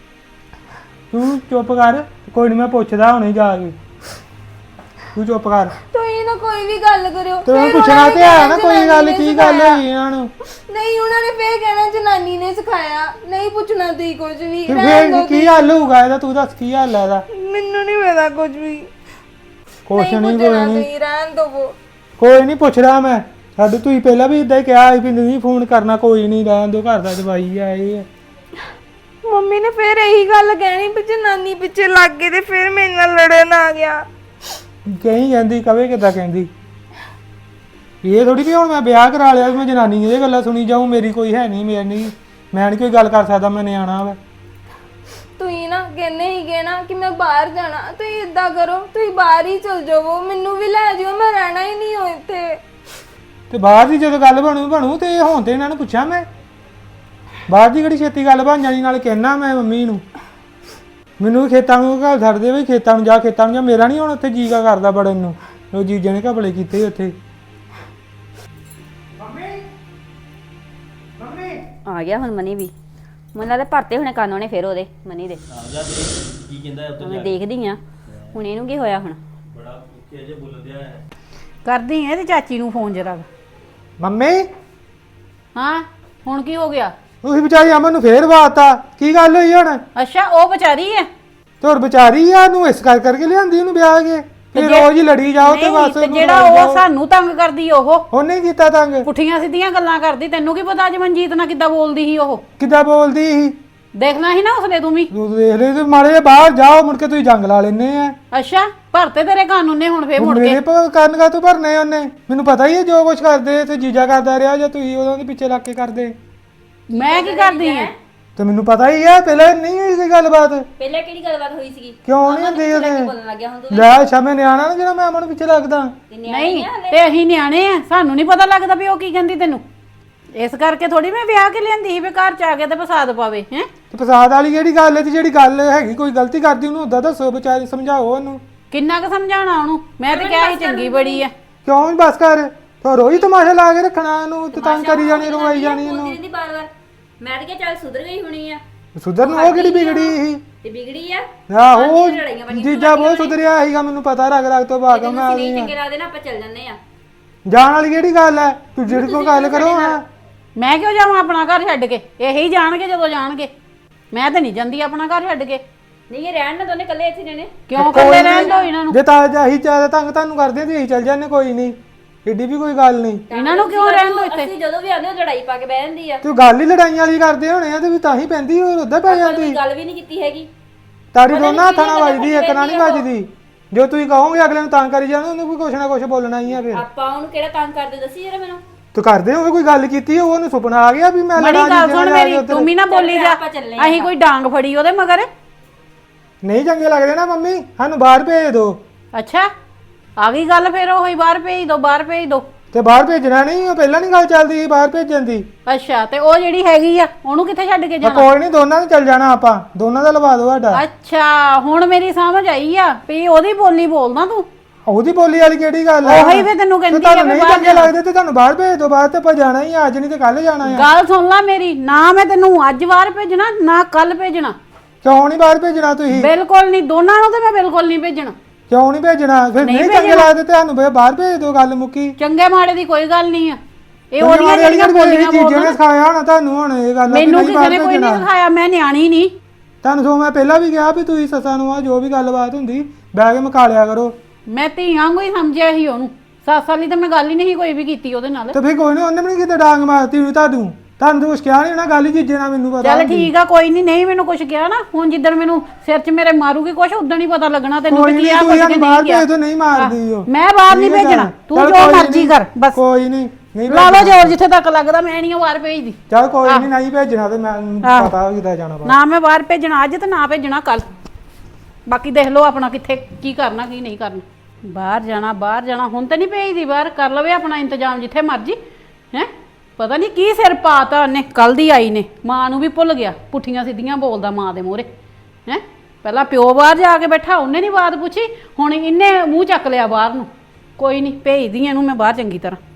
ਤੂੰ ਚੁੱਪ ਕਰ। ਕੋਈ ਨਹੀਂ ਮੈਂ ਪੁੱਛਦਾ ਹੁਣੇ ਜਾ ਕੇ। ਤੂੰ ਚੁੱਪ ਕਰ।
ਤੁਸੀਂ ਨਾ ਕੋਈ ਵੀ ਗੱਲ ਕਰਿਓ।
ਤੇ
ਫਿਰ
ਪੁੱਛਣਾ
ਉਹਨਾਂ ਨੇ
ਤੇ ਹੈ
ਕਹਿਣਾ
ਨਾ ਕੋਈ
ਜਨਾਨੀ
ਗੱਲ,
ਨੇ
ਕੀ ਗੱਲ
ਸਿਖਾਇਆ।
ਹੋਈ ਇਹਨਾਂ ਨੂੰ?
ਨਹੀਂ ਉਹਨਾਂ ਨੇ ਫੇਰ ਕਹਿਣਾ ਜਨਾਨੀ ਨੇ ਸਿਖਾਇਆ, ਨਹੀਂ ਪੁੱਛਣਾ ਤੁਸੀਂ ਕੁਝ ਵੀ।
ਤੇ
ਰਹਿਣ ਦਿਓ
ਫੇਰ ਕੀ ਹੱਲ ਹੋਊਗਾ ਇਹਦਾ? ਤੂੰ ਦੱਸ ਕੀ ਹੱਲ ਹੈ ਇਹਦਾ?
ਮੈਨੂੰ ਨਹੀਂ ਪਤਾ ਕੁਝ ਵੀ।
ਕੁਛ ਨਹੀਂ ਕੋਈ
ਪੁੱਛਣਾ
ਨਹੀਂ।
ਤੁਸੀਂ, ਰਹਿਣ ਦਿਓ।
ਕੋਈ ਨਹੀਂ ਪੁੱਛਦਾ ਮੈਂ। ਸਾਡੇ ਤੁਸੀਂ ਪਹਿਲਾਂ ਵੀ ਇਦਾਂ ਹੀ ਕਿਹਾ ਸੀ ਵੀ ਨਹੀਂ ਫੋਨ ਕਰਨਾ। ਕੋਈ ਨਹੀਂ ਰਹਿਣ ਦਿਓ, ਘਰ ਦਾ ਜਵਾਈ ਆ ਇਹ।
ਮੰਮੀ ਨੇ ਫੇਰ ਇਹੀ ਗੱਲ ਕਹਿਣੀ ਵੀ ਜਨਾਨੀ ਪਿੱਛੇ ਲੱਗ ਗਏ ਤੇ ਫੇਰ ਮੇਰੇ ਨਾਲ ਲੜਨ ਆ ਗਿਆ।
ਕਹੀਂ ਜਾਂਦੀ ਕਵੇ ਕਿੱਦਾਂ ਕਹਿੰਦੀ। ਇਹ ਥੋੜੀ ਵੀ ਹੁਣ ਮੈਂ ਵਿਆਹ ਕਰਾ ਲਿਆ ਮੈਂ ਜਨਾਨੀ ਇਹ ਗੱਲਾਂ ਸੁਣੀ ਜਾਊਂ। ਮੇਰੀ ਕੋਈ ਹੈ ਨਹੀਂ, ਮੈਂ ਨਹੀਂ ਕੋਈ ਗੱਲ ਕਰ ਸਕਦਾ। ਮੈਂ ਨਿਆਣਾ ਵਾ।
ਤੁਸੀਂ ਨਾ ਕਹਿੰਦੇ ਸੀਗੇ ਨਾ ਕਿ ਮੈਂ ਬਾਹਰ ਜਾਣਾ, ਤੁਸੀਂ ਇਦਾਂ ਕਰੋ ਤੁਸੀਂ ਬਾਹਰ ਹੀ ਚਲ ਜਾਵੋ, ਮੈਨੂੰ ਵੀ ਲੈ ਜਾਓ, ਮੈਂ ਰਹਿਣਾ ਹੀ ਨਹੀਂ ਹੋ ਇੱਥੇ।
ਤੇ ਬਾਹਰ ਦੀ ਜਦੋਂ ਗੱਲ ਬਣੂ ਤੇ ਹੁਣ ਤੇ ਇਹਨਾਂ ਨੂੰ ਪੁੱਛਾਂ ਮੈਂ। ਬਾਹਰ ਦੀ ਕਿਹੜੀ ਛੇਤੀ ਗੱਲ ਬਣ ਜਾਣੀ। ਨਾਲ ਕਹਿਣਾ ਮੈਂ ਮੰਮੀ ਨੂੰ ਮੈਨੂੰ ਵੀ ਖੇਤਾਂ ਨੂੰ ਘਰ ਛੱਡ ਦੇ ਵੀ, ਖੇਤਾਂ ਨੂੰ ਜਾ। ਮੇਰਾ ਨਹੀਂ ਹੁਣ ਉੱਥੇ ਜੀਗਾ ਕਰਦਾ ਬੜਨ ਨੂੰ। ਉਹ ਜੀਜੇ ਨੇ ਘਪਲੇ ਕੀਤੇ ਉੱਥੇ।
ਆ ਗਿਆ ਹੁਣ ਮਨੀ ਵੀ। ਮੈਨੂੰ ਲੱਗਦਾ ਭਰਤੇ ਹੋਣੇ ਕੰਨ ਉਹਨੇ ਫਿਰ ਉਹਦੇ ਮਨੀ ਦੇ।
ਆ ਜਾ ਦੇ ਕੀ ਕਹਿੰਦਾ ਉੱਤੇ
ਮੈਂ ਦੇਖਦੀ ਆ ਹੁਣ ਇਹਨੂੰ ਕੀ ਹੋਇਆ ਹੁਣ।
ਬੜਾ ਉੱਚੇ ਜੇ ਬੋਲਦਿਆ ਹੈ।
ਕਰਦੀ ਐ ਤੇ ਚਾਚੀ ਨੂੰ ਫੋਨ ਜਰਾ।
ਮੰਮੀ
ਹਾਂ ਹੁਣ ਕੀ ਹੋ ਗਿਆ?
ਤੁਸੀਂ ਵਿਚਾਰੀ ਅਮਨ ਨੂੰ ਫੇਰ ਵਾਤਾ। ਕੀ ਗੱਲ ਹੋਈ ਹੁਣ?
ਅੱਛਾ ਉਹ ਵਿਚਾਰੀ ਐ।
ਤੇ ਹੋਰ ਵਿਚਾਰੀ ਆ ਨੂੰ ਇਸ ਕਰਕੇ ਲਿਆਂਦੀ ਉਹਨੂੰ ਵਿਆਹ ਕੇ। ਫਿਰ ਰੋਜ਼ ਹੀ ਲੜੀ ਜਾਓ ਤੇ
ਨਹੀਂ,
ਬਸ
ਤੇ
ਉਹਨੂੰ
ਜਿਹੜਾ
ਲੜਾਈ
ਉਹ
ਜਾਓ।
ਸਾਨੂੰ ਤੰਗ ਕਰਦੀ ਉਹ
ਉਹਨੇ ਕੀਤਾ ਤੰਗ।
ਪੁੱਠੀਆਂ ਸਿੱਧੀਆਂ ਗੱਲਾਂ ਕਰਦੀ। ਤੈਨੂੰ ਕੀ ਪਤਾ ਅੱਜ ਮਨਜੀਤ ਨਾਲ ਕਿੱਦਾਂ ਬੋਲਦੀ ਸੀ ਉਹ?
ਕਿੱਦਾਂ ਬੋਲਦੀ ਸੀ?
ਦੇਖਣਾ ਸੀ ਨਾ ਉਸਨੇ ਤੂੰ ਵੀ।
ਤੂੰ ਦੇਖ ਲੈ ਤੇ ਮਾੜੇ ਜਿਹੇ ਬਾਹਰ ਜਾਓ ਮੁੜ ਕੇ ਤੁਸੀਂ ਜੰਗ ਲਾ ਲੈਨੇ ਆ।
ਅੱਛਾ ਭਰਤੇ ਤੇਰੇ ਕੰਨ ਉਹਨੇ ਹੁਣ ਫੇਰ ਮੁੜ ਕੇ।
ਮੇਰੇ ਕੰਨ ਕਾ ਤੂੰ ਭਰਨੇ ਉਹਨੇ? ਮੈਨੂੰ ਪਤਾ ਹੀ ਹੈ ਜੋ ਕੁਝ ਕਰਦੇ ਤੇ ਜੀਜਾ ਕਰਦਾ ਰਿਹਾ ਜਾਂ ਤੁਸੀਂ ਉਹਨਾਂ ਦੇ ਪਿੱਛੇ ਲੱਗ ਕੇ ਕਰਦੇ।
ਮੈਂ ਕੀ ਕਰਦੀ ਐ?
ਤੇ ਮੈਨੂੰ ਪਤਾ ਹੀ ਹੈ ਪਹਿਲਾਂ ਨਹੀਂ ਹੋਈ ਕੋਈ ਗੱਲਬਾਤ।
ਪਹਿਲਾਂ ਕਿਹੜੀ ਗੱਲਬਾਤ ਹੋਈ ਸੀਗੀ?
ਕਿਉਂ ਨਹੀਂ ਹੁੰਦੀ ਉਹਦੇ?
ਬੋਲਣ ਲੱਗਿਆ ਹੁਣ ਤੂੰ।
ਲੈ ਅੱਛਾ ਮੈਂ ਨਿਆਣਾ ਨਾ ਜਿਹੜਾ ਮੈਂ ਅਮਨ ਪਿੱਛੇ ਲੱਗਦਾ।
ਨਹੀਂ ਤੇ ਅਸੀਂ ਨਿਆਣੇ ਆ, ਸਾਨੂੰ ਨਹੀਂ ਪਤਾ ਲੱਗਦਾ ਵੀ ਉਹ ਕੀ ਕਹਿੰਦੀ ਤੈਨੂੰ। ਇਸ ਕਰਕੇ ਥੋੜੀ ਮੈਂ ਵਿਆਹ ਕੇ ਲਿਆਂਦੀ ਸੀ ਵੀ ਘਰ ਚ ਆ ਕੇ ਤੇ ਫਸਾਦ ਪਾਵੇ ਹੈ।
ਤੇ ਫਸਾਦ ਵਾਲੀ ਕਿਹੜੀ ਗੱਲ ਹੈ? ਤੇ ਜਿਹੜੀ ਗੱਲ ਹੈਗੀ ਕੋਈ ਗਲਤੀ ਕਰਦੀ ਉਹਨੂੰ ਉਦਾਂ ਦੱਸੋ, ਵਿਚਾਰੇ ਸਮਝਾਓ ਉਹਨੂੰ।
ਕਿੰਨਾ ਕੁ ਸਮਝਾਉਣਾ ਉਹਨੂੰ? ਮੈਂ ਤਾਂ ਕਿਹਾ ਸੀ ਚੰਗੀ ਬੜੀ ਆ।
ਕਿਉਂ ਨੀ ਬਸ ਕਰ, ਤੋ ਰੋਈ ਤਮਾਸ਼ਾ ਲਾ ਕੇ ਰੱਖਣਾ ਇਹਨੂੰ ਤੇ ਤੰਗ ਕਰੀ ਜਾਣੀ, ਰਵਾਈ ਜਾਣੀ ਇਹਨੂੰ।
ਬੋਲਦੀ ਬਾਰ-ਬਾਰ। ਮੈਂ ਤਾਂ ਕਿਹਾ ਚੱਲ ਸੁਧਰ ਗਈ ਹੋਣੀ ਆ।
ਸੁਧਰ ਨੂੰ ਉਹ ਕਿਹੜੀ ਵਿਗੜੀ ਸੀ?
ਤੇ ਵਿਗੜੀ ਆ।
ਆਹੋ ਜੀਜਾ ਬਹੁਤ ਸੁਧਰਿਆ ਸੀਗਾ, ਮੈਨੂੰ ਪਤਾ ਰਗ ਤੋਂ ਬਾਅਦ ਮੈਂ ਆ
ਨਹੀਂ
ਗਈ
ਚੰਗੇ ਲੱਗਦੇ ਨਾ ਆਪਾਂ ਚੱਲ ਜੰਨੇ ਆ।
ਜਾਣ ਵਾਲੀ ਕਿਹੜੀ ਗੱਲ ਹੈ? ਤੂੰ ਜਿਹੜੀ ਕੋਈ ਗੱਲ ਕਰੋ ਹਾਂ।
ਮੈਂ ਕਿਉਂ ਜਾਵਾਂ ਆਪਣਾ ਘਰ ਛੱਡ ਕੇ? ਇਹੀ ਜਾਣਗੇ ਜਦੋਂ ਜਾਣਗੇ। ਮੈਂ ਤਾਂ ਨਹੀਂ ਜਾਂਦੀ ਆਪਣਾ ਘਰ ਛੱਡ ਕੇ।
ਨਹੀਂ ਇਹ ਰਹਿਣ ਨਾ ਦੋਨੇ ਇਕੱਲੇ ਇੱਥੇ ਰਹਿਣੇ।
ਕਿਉਂ ਇਕੱਲੇ ਰਹਿਣ ਦੋ ਇਹਨਾਂ ਨੂੰ?
ਜੇ ਤਾਂ ਅਸੀਂ ਜ਼ਿਆਦਾ ਤੰਗ ਤੁਹਾਨੂੰ ਕਰਦੇ ਤੇ ਅਸੀਂ ਚੱਲ ਜਾਂਦੇ, ਕੋਈ ਨਹੀਂ, ਏਡੀ ਵੀ ਕੋਈ ਗੱਲ ਨਹੀਂ।
ਇਹਨਾਂ ਨੂੰ ਕਿਉਂ ਰਹਿਣ ਦੋ ਇੱਥੇ?
ਅਸੀਂ ਜਦੋਂ ਵੀ ਆਉਂਦੇ ਉਹ ਲੜਾਈ ਪਾ ਕੇ ਬਹਿ ਜਾਂਦੀ ਆ।
ਤੂੰ ਗੱਲ ਹੀ ਲੜਾਈਆਂ ਵਾਲੀ ਕਰਦੇ ਹੋਣੇ ਆ ਤੇ ਵੀ ਤਾਂ ਹੀ ਪੈਂਦੀ ਹੋਰ ਉੱਧਰ ਪੈ ਜਾਂਦੀ।
ਕੋਈ ਗੱਲ ਵੀ ਨਹੀਂ ਕੀਤੀ ਹੈਗੀ।
ਤਾੜੀ ਦੋਨਾਂ ਹੱਥਾਂ ਨਾਲ ਵੱਜਦੀ, ਇੱਕ ਨਾਲ ਨਹੀਂ ਵੱਜਦੀ। ਜੋ ਤੁਸੀਂ ਕਹੋਗੇ ਅਗਲੇ ਨੂੰ ਤੰਗ ਕਰੀ ਜਾਣਾ, ਉਹਨੂੰ ਵੀ ਕੁਛ ਨਾ ਕੁਛ ਬੋਲਣਾ ਹੀ ਆ ਫਿਰ।
ਆਪਾਂ ਉਹਨੂੰ ਕਿਹੜਾ ਤੰਗ ਕਰਦੇ ਦੱਸੀ ਜਰਾ ਮੈਨੂੰ।
ਤੂੰ ਕਰਦੇ ਹੋਵੇ ਕੋਈ ਗੱਲ ਕੀਤੀ ਹੋਵੇ, ਉਹਨੂੰ ਸੁਪਨਾ ਆ ਗਿਆ ਵੀ ਮੈਂ
ਬੜੀ
ਲੜਾਂ
ਗੱਲ
ਜੀਜੇ
ਸੁਣ
ਨਾਲ ਜਾ ਕੇ
ਮੇਰੀ,
ਉੱਧਰ।
ਤੂੰ ਵੀ ਨਾ ਬੋਲੀ ਜਾ।
ਆਪਾਂ ਚੱਲੇ ਆ।
ਅਸੀਂ ਕੋਈ ਡਾਂਗ ਫੜੀ ਉਹਦੇ ਮਗਰ।
ਨਹੀਂ ਚੰਗੇ ਲੱਗਦੇ ਨਾ ਮੰਮੀ, ਸਾਨੂੰ ਬਾਹਰ ਭੇਜ ਦਿਓ।
ਅੱਛਾ ਆ ਗਈ ਗੱਲ ਫਿਰ ਉਹੀ, ਬਾਹਰ ਭੇਜ ਦੋ, ਬਾਹਰ ਭੇਜ ਦੋ।
ਤੇ ਬਾਹਰ ਭੇਜਣਾ ਨਹੀਂ, ਉਹ ਪਹਿਲਾਂ ਨਹੀਂ ਗੱਲ ਚੱਲਦੀ ਸੀ ਬਾਹਰ ਭੇਜਣ ਦੀ।
ਅੱਛਾ ਤੇ ਉਹ ਜਿਹੜੀ ਹੈਗੀ ਆ ਉਹਨੂੰ ਕਿੱਥੇ ਛੱਡ ਕੇ ਜਾਣਾ?
ਕੋਈ ਨਹੀਂ, ਦੋਨਾਂ ਨੂੰ ਚੱਲ ਜਾਣਾ ਆਪਾਂ, ਦੋਨਾਂ ਦਾ ਲਵਾ ਦੋ ਸਾਡਾ।
ਅੱਛਾ ਹੁਣ ਮੇਰੀ ਸਮਝ ਆਈ ਆ ਵੀ ਉਹਦੀ ਬੋਲੀ ਬੋਲਦਾ ਤੂੰ।
ਉਹਦੀ ਬੋਲੀ ਵਾਲੀ ਕਿਹੜੀ ਗੱਲ ਹੈ?
ਉਹੀ ਫਿਰ ਤੈਨੂੰ ਕਹਿੰਦੀ ਆ
ਤੁਹਾਨੂੰ
ਵੀ
ਨਹੀਂ
ਬਾਹਰ
ਚੰਗੇ ਲੱਗਦੇ ਤੇ ਤੁਹਾਨੂੰ ਬਾਹਰ ਭੇਜ ਦੋ। ਬਾਹਰ ਤੇ ਆਪਾਂ ਜਾਣਾ ਹੀ ਆ, ਅੱਜ ਨਹੀਂ ਤੇ ਕੱਲ ਜਾਣਾ ਆ।
ਗੱਲ ਸੁਣ ਲੈ ਮੇਰੀ, ਨਾ ਮੈਂ ਤੈਨੂੰ ਅੱਜ ਬਾਹਰ ਭੇਜਣਾ ਨਾ ਕੱਲ ਭੇਜਣਾ।
ਕਿਉਂ ਨਹੀਂ ਬਾਹਰ ਭੇਜਣਾ ਤੁਸੀਂ?
ਬਿਲਕੁਲ ਨਹੀਂ, ਦੋਨਾਂ ਨੂੰ ਤੇ ਮੈਂ ਬਿਲਕੁਲ ਨਹੀਂ ਭੇਜਣਾ।
ਕਿਉਂ ਨਹੀਂ ਭੇਜਣਾ? ਫਿਰ
ਨਹੀਂ
ਨਹੀਂ ਚੰਗੇ ਲੱਗਦੇ ਤੇ ਤੁਹਾਨੂੰ ਬਾਹਰ ਭੇਜ ਦੋ, ਗੱਲ ਮੁੱਕੀ।
ਚੰਗੇ ਮਾੜੇ ਦੀ ਕੋਈ ਗੱਲ ਨਹੀਂ ਆ। ਇਹ
ਉਹਦੀਆਂ
ਉਹਦੀਆਂ ਜਿਹੜੀਆਂ ਬੋਲੀਆਂ
ਚੀਜ਼ਾਂ
ਬੋਲਦਾ
ਨੇ ਸਿਖਾਇਆ ਹੋਣਾ ਤੁਹਾਨੂੰ ਹੁਣ ਇਹ ਗੱਲ।
ਮੈਨੂੰ ਕਿਸੇ ਨੇ ਕੋਈ ਨਹੀਂ ਸਿਖਾਇਆ, ਮੈਂ ਨਿਆਣੀ ਨਹੀਂ।
ਤੁਹਾਨੂੰ ਸੋ ਮੈਂ ਪਹਿਲਾਂ ਵੀ ਕਿਹਾ ਵੀ ਤੁਸੀਂ ਸੱਸਾਂ ਨੂੰ ਆ ਜੋ ਵੀ ਗੱਲਬਾਤ ਹੁੰਦੀ ਬਹਿ ਕੇ ਮੁਕਾ ਲਿਆ ਕਰੋ।
ਮੈਂ ਧੀਆਂ ਵਾਂਗੂ ਹੀ ਸਮਝਿਆ ਸੀ ਉਹਨੂੰ। 7 ਸਾਲ ਦੀ ਤਾਂ ਮੈਂ ਗੱਲ ਹੀ ਨਹੀਂ ਕੋਈ ਵੀ ਕੀਤੀ ਉਹਦੇ ਨਾਲ।
ਤੇ ਫਿਰ ਕੋਈ ਨਹੀਂ, ਉਹਨੇ ਵੀ ਨਹੀਂ ਕਿਤੇ ਡਾਂਗ ਮਾਰਤੀ ਹੋਣੀ ਤੁਹਾਨੂੰ ਤਾਂ ਕੁਛ ਕਿਹਾ ਨਹੀਂ ਨਾ, ਗੱਲ ਹੀ ਜੀਜੇ ਨਾਲ ਮੈਨੂੰ ਪਤਾ।
ਚੱਲ ਠੀਕ ਆ, ਕੋਈ ਨਹੀਂ, ਨਹੀਂ ਮੈਨੂੰ ਕੁਝ ਕਿਹਾ ਨਾ। ਹੁਣ ਜਿੱਦਣ ਮੈਨੂੰ ਸਿਰ 'ਚ ਮੇਰੇ ਮਾਰੂਗੀ ਕੁਛ, ਉਦੋਂ ਹੀ ਪਤਾ ਲੱਗਣਾ ਤੈਨੂੰ
ਕੋਈ
ਕਿ
ਨਹੀਂ,
ਕੀ ਆ
ਤੂੰ
ਕੁਝ
ਯਾਰ
ਕਿ
ਬਾਹਰ
ਨਹੀਂ
ਭੇਜ ਦੋ, ਨਹੀਂ ਮਾਰਦੀ ਉਹ।
ਮੈਂ ਬਾਹਰ ਨਹੀਂ ਭੇਜਣਾ, ਤੂੰ ਜੋ ਮਰਜ਼ੀ ਕਰ ਬਸ।
ਕੋਈ ਨਹੀਂ, ਨਹੀਂ
ਲਾ ਲਓ ਜ਼ੋਰ ਜਿੱਥੇ ਤੱਕ ਲੱਗਦਾ, ਮੈਂ ਨਹੀਂ ਬਾਹਰ ਭੇਜਦੀ।
ਚੱਲ ਕੋਈ ਨਹੀਂ, ਨਹੀਂ ਭੇਜਣਾ ਤੇ ਮੈਂ ਪਤਾ ਕਿੱਦਾਂ ਜਾਣਾ ਬਾਹਰ।
ਨਾ ਮੈਂ ਬਾਹਰ ਭੇਜਣਾ ਅੱਜ ਤੇ ਨਾ ਭੇਜਣਾ ਕੱਲ। ਬਾਕੀ ਦੇਖ ਲਓ ਆਪਣਾ ਕਿੱਥੇ ਕੀ ਕਰਨਾ ਕੀ ਨਹੀਂ ਕਰਨਾ। ਬਾਹਰ ਜਾਣਾ ਬਾਹਰ ਜਾਣਾ, ਹੁਣ ਤਾਂ ਨਹੀਂ ਭੇਜਦੀ ਬਾਹਰ। ਕਰ ਲਵੇ ਆਪਣਾ ਇੰਤਜ਼ਾਮ ਜਿੱਥੇ ਮਰਜੀ। ਹੈ ਪਤਾ ਨਹੀਂ ਕੀ ਸਿਰ ਪਾਤਾ ਉਹਨੇ, ਕੱਲ ਦੀ ਆਈ ਨੇ। ਮਾਂ ਨੂੰ ਵੀ ਭੁੱਲ ਗਿਆ, ਪੁੱਠੀਆਂ ਸਿੱਧੀਆਂ ਬੋਲਦਾ ਮਾਂ ਦੇ ਮੂਹਰੇ। ਹੈ ਪਹਿਲਾਂ ਪਿਓ ਬਾਹਰ ਜਾ ਕੇ ਬੈਠਾ, ਉਹਨੇ ਨਹੀਂ ਬਾਤ ਪੁੱਛੀ, ਹੁਣ ਇਹਨੇ ਮੂੰਹ ਚੱਕ ਲਿਆ ਬਾਹਰ ਨੂੰ। ਕੋਈ ਨਹੀਂ, ਭੇਜਦੀ ਇਹਨੂੰ ਮੈਂ ਬਾਹਰ ਚੰਗੀ ਤਰ੍ਹਾਂ।